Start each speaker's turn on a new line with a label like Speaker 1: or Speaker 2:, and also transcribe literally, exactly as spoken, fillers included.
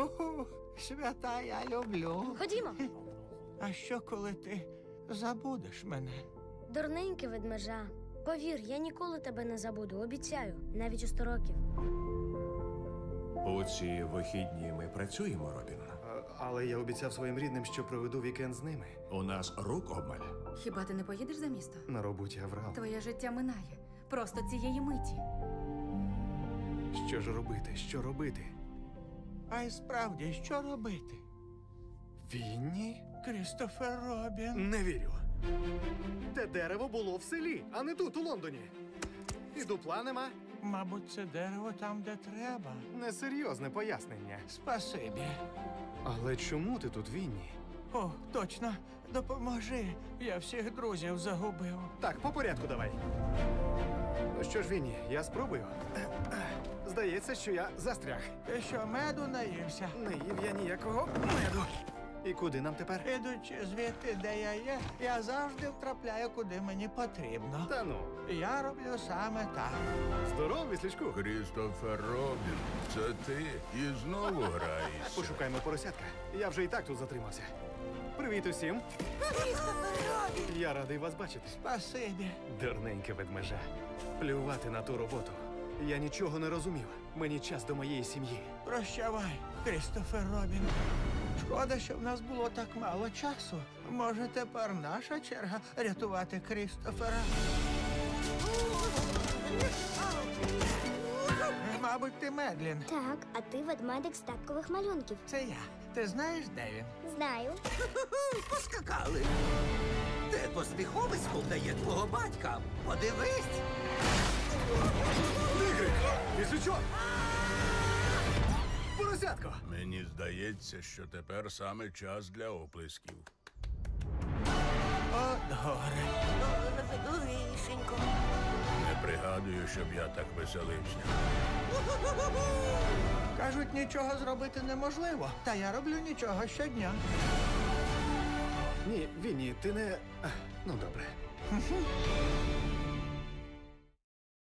Speaker 1: Ху-ху, свята я люблю.
Speaker 2: Ходімо.
Speaker 1: А що, коли ти забудеш мене?
Speaker 2: Дурненький ведмежа. Повір, я ніколи тебе не забуду, обіцяю, навіть у сто років.
Speaker 3: У ці вихідні ми працюємо, Робін.
Speaker 4: А, але я обіцяв своїм рідним, що проведу вікенд з ними.
Speaker 3: У нас рук обмаль.
Speaker 5: Хіба ти не поїдеш за місто?
Speaker 4: На роботі Аврал.
Speaker 5: Твоє життя минає. Просто цієї миті.
Speaker 4: Що ж робити? Що робити?
Speaker 1: А й справді, що робити?
Speaker 4: Вінні?
Speaker 1: Крістофер Робін.
Speaker 4: Не вірю. Те дерево було в селі, а не тут, у Лондоні. І дупла нема.
Speaker 1: Мабуть, це дерево там, де треба.
Speaker 4: Несерйозне пояснення.
Speaker 1: Спасибі.
Speaker 4: Але чому ти тут, Вінні?
Speaker 1: О, точно, допоможи. Я всіх друзів загубив.
Speaker 4: Так, по порядку давай. Ну що ж, Вінні, я спробую. Здається, що я застряг.
Speaker 1: Ти що, меду наївся?
Speaker 4: Не їв я ніякого меду. І куди нам тепер?
Speaker 1: Ідучи звідти, де я є, я завжди втрапляю, куди мені потрібно.
Speaker 4: Та ну.
Speaker 1: Я роблю саме так.
Speaker 4: Здоров, віслячку.
Speaker 6: Крістофер Робін, це ти і знову граєшся.
Speaker 4: Пошукаємо поросятка. Я вже і так тут затримався. Привіт усім. Я радий вас бачити.
Speaker 1: Спасибі.
Speaker 4: Дурненьке ведмежа. Плювати на ту роботу. Я нічого не розумів. Мені час до моєї сім'ї.
Speaker 1: Прощавай, Крістофер Робін. Шкода, що в нас було так мало часу. Може, тепер наша черга рятувати Крістофера? Мабуть, ти Медлін.
Speaker 7: Так, а ти ведмедик з таткових малюнків.
Speaker 1: Це я. Ти знаєш, де він?
Speaker 7: Знаю.
Speaker 8: Поскакали. Де посміховисько вдає твого батька? Подивись.
Speaker 4: Тигрик! Віслючок! Поросятко!
Speaker 6: Мені здається, що тепер саме час для оплесків.
Speaker 1: О, горе.
Speaker 2: Лишенько.
Speaker 6: Не пригадую, щоб я так веселився.
Speaker 1: Кажуть, нічого зробити неможливо. Та я роблю нічого щодня.
Speaker 4: Ні, Вінні, ти не... А, ну, добре.